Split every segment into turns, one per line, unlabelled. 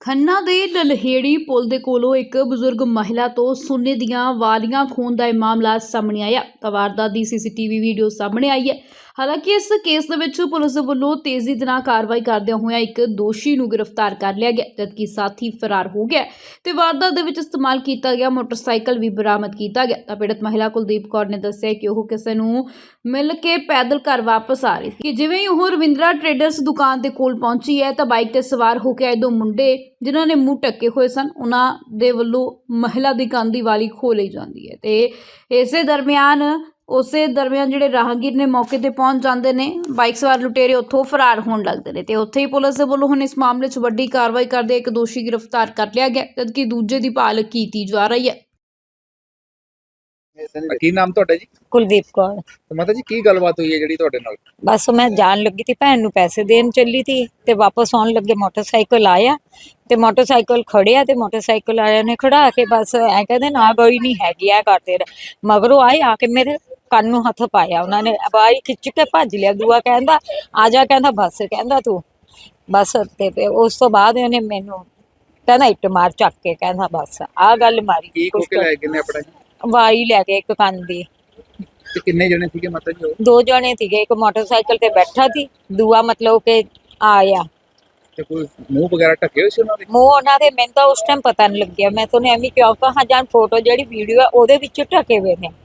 ਖੰਨਾ ਦੇ ਲਲਹੇੜੀ ਪੁਲ ਦੇ ਕੋਲੋਂ ਇੱਕ ਬਜ਼ੁਰਗ ਮਹਿਲਾ ਤੋਂ ਸੋਨੇ ਦੀਆਂ ਵਾਲੀਆਂ ਖੋਹਣ ਦਾ ਇਹ ਮਾਮਲਾ ਸਾਹਮਣੇ ਆਇਆ। ਤਾਂ ਵਾਰਦਾਤ ਦੀ ਸੀਸੀਟੀਵੀ ਵੀਡੀਓ ਸਾਹਮਣੇ ਆਈ ਹੈ। ਹਾਲਾਂਕਿ ਇਸ ਕੇਸ ਦੇ ਵਿੱਚ ਪੁਲਿਸ ਵੱਲੋਂ ਤੇਜ਼ੀ ਦੇ ਨਾਲ ਕਾਰਵਾਈ ਕਰਦਿਆਂ ਹੋਇਆਂ ਇੱਕ ਦੋਸ਼ੀ ਨੂੰ ਗ੍ਰਿਫਤਾਰ ਕਰ ਲਿਆ ਗਿਆ, ਜਦਕਿ ਸਾਥੀ ਫਰਾਰ ਹੋ ਗਿਆ ਤੇ ਵਾਰਦਾਤ ਦੇ ਵਿੱਚ ਇਸਤੇਮਾਲ ਕੀਤਾ ਗਿਆ ਮੋਟਰਸਾਈਕਲ ਵੀ ਬਰਾਮਦ ਕੀਤਾ ਗਿਆ। ਤਾਂ ਪੀੜਤ ਮਹਿਲਾ ਕੁਲਦੀਪ ਕੌਰ ਨੇ ਦੱਸਿਆ ਕਿ ਉਹ ਕਿਸੇ ਨੂੰ ਮਿਲ ਕੇ ਪੈਦਲ ਘਰ ਵਾਪਸ ਆ ਰਹੀ ਸੀ ਕਿ ਜਿਵੇਂ ਹੀ ਉਹ ਰਵਿੰਦਰਾ ਟ੍ਰੇਡਰਸ ਦੁਕਾਨ ਦੇ ਕੋਲ ਪਹੁੰਚੀ ਹੈ ਤਾਂ ਬਾਈਕ ਤੇ ਸਵਾਰ ਹੋ ਕੇ ਆਏ ਦੋ ਮੁੰਡੇ ਜਿਨ੍ਹਾਂ ਨੇ ਮੂੰਹ ਢੱਕੇ ਹੋਏ ਸਨ, ਉਹਨਾਂ ਦੇ ਵੱਲੋਂ ਮਹਿਲਾ ਦੀ ਕੰਨ ਦੀ ਵਾਲੀ ਖੋਹ ਲਈ ਜਾਂਦੀ ਹੈ ਤੇ ਉਸੇ ਦਰਮਿਆਨ ਜਿਹੜੇ ਰਾਹਗੀਰ ਨੇ ਮੌਕੇ ਤੇ ਪਹੁੰਚ ਜਾਂਦੇ ਨੇ, ਬਾਈਕ ਸਵਾਰ ਲੁਟੇਰੇ ਉੱਥੋਂ ਫਰਾਰ ਹੋਣ ਲੱਗਦੇ ਨੇ ਤੇ ਉੱਥੇ ਹੀ ਪੁਲਿਸ ਦੇ ਵੱਲੋਂ ਹੁਣ ਇਸ ਮਾਮਲੇ 'ਚ ਵੱਡੀ ਕਾਰਵਾਈ ਕਰਦੇ ਇੱਕ ਦੋਸ਼ੀ ਗ੍ਰਿਫਤਾਰ ਕਰ ਲਿਆ ਗਿਆ, ਜਦਕਿ ਦੂਜੇ ਦੀ ਭਾਲ ਕੀਤੀ ਜਾ ਰਹੀ ਹੈ।
ਕੀ ਨਾਮ ਤੁਹਾਡਾ ਜੀ?
ਕੁਲਦੀਪ ਕੌਰ।
ਤੇ ਮਾਤਾ ਜੀ ਕੀ ਗੱਲਬਾਤ ਹੋਈ ਹੈ ਜਿਹੜੀ ਤੁਹਾਡੇ ਨਾਲ?
ਬਸ ਮੈਂ ਜਾਣ ਲੱਗੀ ਤੀ, ਭੈਣ ਨੂੰ ਪੈਸੇ ਦੇਣ ਚੱਲੀ ਤੀ ਤੇ ਵਾਪਸ ਆਉਣ ਲੱਗੇ ਮੋਟਰਸਾਈਕਲ ਆਇਆ ਤੇ ਮੋਟਰਸਾਈਕਲ ਖੜਿਆ ਤੇ ਮੋਟਰਸਾਈਕਲ ਵਾਲਿਆਂ ਨੇ ਖੜਾ ਕੇ ਬਸ ਐ ਕਹਿੰਦੇ ਨਾ ਗਈ ਨਹੀਂ ਹੈਗੀ ਐ ਕਰਦੇ ਮਗਰੋਂ ਆਏ ਆ ਕੇ ਮੇਰੇ ਕੰਨ ਨੂੰ ਹੱਥ ਪਾਇਆ, ਉਹਨਾਂ ਨੇ ਬਾਈ ਖਿੱਚ ਕੇ ਭੱਜ ਲਿਆ। ਦੂਆ ਕਹਿੰਦਾ ਆ ਜਾ, ਕਹਿੰਦਾ ਬਸ, ਕਹਿੰਦਾ ਤੂੰ ਬਸ। ਤੇ ਉਸ ਤੋਂ ਬਾਅਦ ਇਹਨੇ ਮੈਨੂੰ ਕਹਿੰਦਾ ਇੱਟ ਮਾਰ ਚੱਕ ਕੇ, ਕਹਿੰਦਾ ਬਸ ਆਹ ਗੱਲ ਮਾਰੀ।
ਕੀ ਖੋ ਕੇ ਲੈ ਗਏ ਨੇ ਆਪਣਾ?
ਵਾਈ ਲੈ ਕੇ ਇੱਕ ਕੰਨ ਦੀ।
ਤੇ ਕਿੰਨੇ ਜਣੇ ਸੀਗੇ ਮਾਤਾ ਜੀ?
ਦੋ ਜਣੇ ਸੀਗੇ, ਇੱਕ ਮੋਟਰਸਾਈਕਲ ਤੇ ਬੈਠਾ ਸੀ, ਦੂਆ ਮਤਲਬ ਕਿ ਆਇਆ।
ਤੇ ਕੋਈ ਮੂੰਹ ਵਗੈਰਾ ਢੱਕੇ ਹੋਏ ਸੀ ਉਹਨਾਂ ਦੇ?
ਮੂੰਹ ਉਹਨਾਂ ਦੇ ਮੈਨੂੰ ਤਾਂ ਉਸ ਟਾਈਮ ਪਤਾ ਨਹੀਂ ਲੱਗਿਆ, ਮੈਂ ਤੁਹਾਨੂੰ ਐਵੇਂ ਕਿਉਂ ਕਹਾਂ, ਜਾਂ ਫੋਟੋ ਜਿਹੜੀ ਵੀਡੀਓ ਹੈ ਉਹਦੇ ਵਿੱਚ ਢਕੇ ਹੋਏ ਨੇ,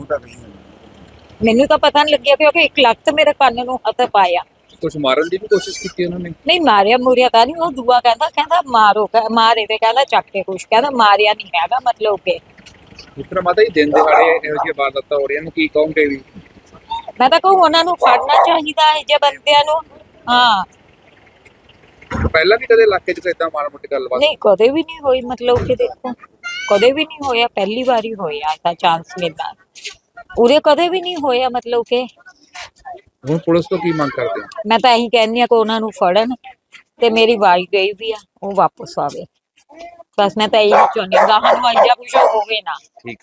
ਮੈਨੂੰ ਤਾਂ ਪਤਾ ਨਹੀਂ ਲੱਗਿਆ ਕਿਉਂਕਿ ਇੱਕ ਲੱਤ ਮੇਰੇ ਕੰਨ ਨੂੰ ਹੱਥ ਪਾਇਆ।
ਕੁਝ ਮਾਰਨ ਦੀ ਵੀ ਕੋਸ਼ਿਸ਼ ਕੀਤੀ ਉਹਨਾਂ ਨੇ?
ਨਹੀਂ ਮਾਰਿਆ ਮੁਰਿਆ ਤਾਂ ਨਹੀਂ, ਉਹ ਦੂਆ ਕਹਿੰਦਾ ਮਾਰੋ, ਮਾਰੇ ਤੇ ਕਹਿੰਦਾ ਚੱਕ ਕੇ ਕੁਛ, ਕਹਿੰਦਾ ਮਾਰਿਆ ਨਹੀਂ ਹੈਗਾ ਮਤਲਬ ਕਿ।
ਇਸ ਤਰ੍ਹਾਂ ਮਾਤਾ ਜੀ ਦਿਨ ਦਿਹਾੜੇ ਇਹੋ ਜਿਹੀਆਂ ਵਾਰਦਾਤਾਂ ਹੋ ਰਹੀਆਂ ਨੇ, ਕੀ ਕਹੋਗੇ ਵੀ?
ਮੈਂ ਤਾਂ ਕਹੂੰ ਉਹਨਾਂ ਨੂੰ ਫੜਨਾ ਚਾਹੀਦਾ ਹੈ ਜੇ ਬੰਦਿਆਂ ਨੂੰ। ਹਾਂ
ਪਹਿਲਾਂ ਵੀ ਕਦੇ ਇਲਾਕੇ 'ਚ ਇਦਾਂ ਮਾੜਾ ਮੋਟੀ ਗੱਲਬਾਤ?
ਨਹੀਂ ਕਦੇ ਵੀ ਨਹੀਂ ਹੋਈ, ਮਤਲਬ ਕਿ ਦੇਖੋ ਕਦੇ ਵੀ ਨਹੀਂ ਹੋਇਆ, ਪਹਿਲੀ ਵਾਰੀ ਹੋਇਆ ਤਾਂ ਚਾਂਸ ਮਿਲਦਾ, ਉਰੇ ਕਦੇ ਵੀ ਨਹੀਂ ਹੋਇਆ ਮਤਲਬ ਕਿ।
ਹੁਣ ਪੁਲਿਸ ਤੋਂ ਕੀ ਮੰਗ ਕਰਦੇ ਹੋ?
ਮੈਂ ਤਾਂ ਇਹੀ ਕਹਿੰਦੀ ਆ ਕਿ ਉਹਨਾਂ ਨੂੰ ਫੜਨ ਤੇ ਮੇਰੀ ਵਾਈ ਗਈ ਵੀ ਆ ਉਹ ਵਾਪਸ ਆਵੇ, ਬਸ ਮੈਂ ਤਾਂ ਇਹੀ ਚਾਹੁੰਦੀ ਹਾਂ, ਗਾਹਾਂ ਨੂੰ ਆਈਆ ਕੁਛ ਹੋਵੇ ਨਾ।
ਠੀਕ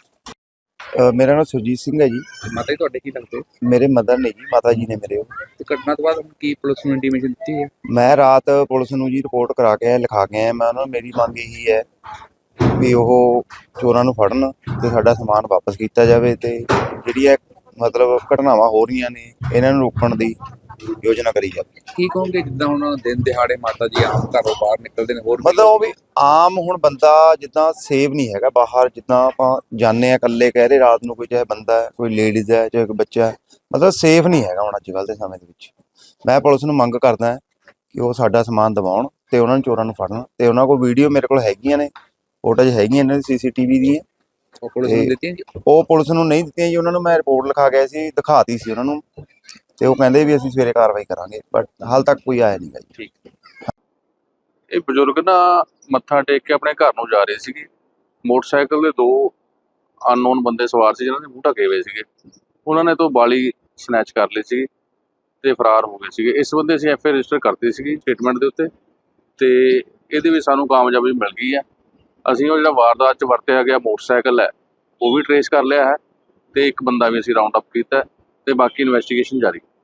ਹੈ।
ਮੇਰਾ ਨਾਮ ਸੁਰਜੀਤ ਸਿੰਘ ਹੈ ਜੀ।
ਮਾਤਾ ਜੀ ਤੁਹਾਡੇ ਕੀ ਲੱਗਦੇ?
ਮੇਰੇ ਮਦਰ ਨੇ ਜੀ, ਮਾਤਾ ਜੀ ਨੇ ਮੇਰੇ।
ਤੇ ਘਟਨਾ ਤੋਂ ਬਾਅਦ ਕੀ ਪੁਲਿਸ ਨੂੰ ਇੰਟੀਮੇਸ਼ਨ ਦਿੱਤੀ ਹੈ?
ਮੈਂ ਰਾਤ ਪੁਲਿਸ ਨੂੰ ਜੀ ਰਿਪੋਰਟ ਕਰਾ ਕੇ ਆਇਆ, ਲਿਖਾ ਕੇ ਆਇਆ। ਮੈਂ ਉਹਨਾਂ ਨੂੰ ਮੇਰੀ ਮੰਗ ਇਹੀ ਹੈ ਵੀ ਉਹ ਚੋਰਾਂ ਨੂੰ ਫੜਨ ਤੇ ਸਾਡਾ ਸਮਾਨ ਵਾਪਸ ਕੀਤਾ ਜਾਵੇ ਤੇ ਜਿਹੜੀ ਇਹ ਮਤਲਬ ਘਟਨਾਵਾਂ ਹੋ ਰਹੀਆਂ ਨੇ ਇਹਨਾਂ ਨੂੰ ਰੋਕਣ ਦੀ ਯੋਜਨਾ ਕਰੀ ਜਾਵੇ।
ਕੀ ਕਹੋਗੇ ਜਿੱਦਾਂ ਹੁਣ ਦਿਨ ਦਿਹਾੜੇ ਮਾਤਾ ਜੀ ਆਮ ਘਰੋਂ ਬਾਹਰ ਨਿਕਲਦੇ ਨੇ, ਹੋਰ
ਮਤਲਬ ਉਹ ਵੀ ਆਮ ਹੁਣ ਬੰਦਾ ਜਿੱਦਾਂ ਸੇਫ ਨਹੀਂ ਹੈਗਾ ਬਾਹਰ, ਜਿੱਦਾਂ ਆਪਾਂ ਜਾਂਦੇ ਆ ਇਕੱਲੇ, ਕਹਿ ਰਹੇ ਰਾਤ ਨੂੰ, ਕੋਈ ਚਾਹੇ ਬੰਦਾ ਹੈ, ਕੋਈ ਲੇਡੀਜ਼ ਹੈ, ਚਾਹੇ ਕੋਈ ਬੱਚਾ ਹੈ, ਮਤਲਬ ਸੇਫ ਨਹੀਂ ਹੈਗਾ ਹੁਣ ਅੱਜ ਕੱਲ੍ਹ ਦੇ ਸਮੇਂ ਦੇ ਵਿੱਚ। ਮੈਂ ਪੁਲਿਸ ਨੂੰ ਮੰਗ ਕਰਦਾ ਕਿ ਉਹ ਸਾਡਾ ਸਮਾਨ ਦਿਵਾਉਣ ਤੇ ਉਹਨਾਂ ਨੂੰ ਚੋਰਾਂ ਨੂੰ ਫੜਨ। ਤੇ ਉਹਨਾਂ ਕੋਲ ਵੀਡੀਓ ਮੇਰੇ ਕੋਲ ਹੈਗੀਆਂ ਨੇ, ਫੋਟੋਜ਼ ਹੈਗੀਆਂ ਇਹਨਾਂ ਦੀ CCTV ਦੀਆਂ।
ਉਹ ਪੁਲਿਸ ਨੂੰ ਦਿੱਤੀਆਂ ਜੀ? ਉਹ
ਪੁਲਿਸ ਨੂੰ ਨਹੀਂ ਦਿੱਤੀਆਂ ਜੀ, ਉਹਨਾਂ ਨੂੰ ਮੈਂ ਰਿਪੋਰਟ ਲਿਖਾ ਗਿਆ ਸੀ, ਦਿਖਾਤੀ ਸੀ ਉਹਨਾਂ ਨੂੰ ਤੇ ਉਹ ਕਹਿੰਦੇ ਵੀ ਅਸੀਂ ਸਵੇਰੇ ਕਾਰਵਾਈ ਕਰਾਂਗੇ, ਬਟ ਹਾਲ ਤੱਕ ਕੋਈ ਆਇਆ ਨਹੀਂ ਗਾ ਜੀ।
ਠੀਕ।
ਇਹ ਬਜ਼ੁਰਗ ਨਾ ਮੱਥਾ ਟੇਕ ਕੇ ਆਪਣੇ ਘਰ ਨੂੰ ਜਾ ਰਹੇ ਸੀਗੇ, ਮੋਟਰਸਾਈਕਲ ਦੇ ਦੋ ਅਨਨੋਨ ਬੰਦੇ ਸਵਾਰ ਸੀ ਜਿਹਨਾਂ ਦੇ ਮੂੰਹ ਢਕੇ ਹੋਏ ਸੀਗੇ, ਉਹਨਾਂ ਨੇ ਤੋਂ ਬਾਲੀ ਸਨੈਚ ਕਰ ਲਈ ਸੀ ਤੇ ਫਰਾਰ ਹੋ ਗਏ ਸੀਗੇ। ਇਸ ਬੰਦੇ ਅਸੀਂ FI ਰਜਿਸਟਰ ਕਰਤੀ ਸੀਗੀ ਸਟੇਟਮੈਂਟ ਦੇ ਉੱਤੇ ਤੇ ਇਹਦੇ ਵਿੱਚ ਸਾਨੂੰ ਕਾਮਯਾਬੀ ਮਿਲ ਗਈ ਹੈ। ਅਸੀਂ ਉਹ ਜਿਹੜਾ ਵਾਰਦਾਤ 'ਚ ਵਰਤਿਆ ਗਿਆ ਮੋਟਰਸਾਈਕਲ ਹੈ ਉਹ ਵੀ ਟਰੇਸ ਕਰ ਲਿਆ ਹੈ ਤੇ ਇੱਕ ਬੰਦਾ ਵੀ ਅਸੀਂ ਰਾਉਂਡ ਅਪ ਕੀਤਾ ਤੇ ਬਾਕੀ ਇਨਵੈਸਟੀਗੇਸ਼ਨ ਜਾਰੀ।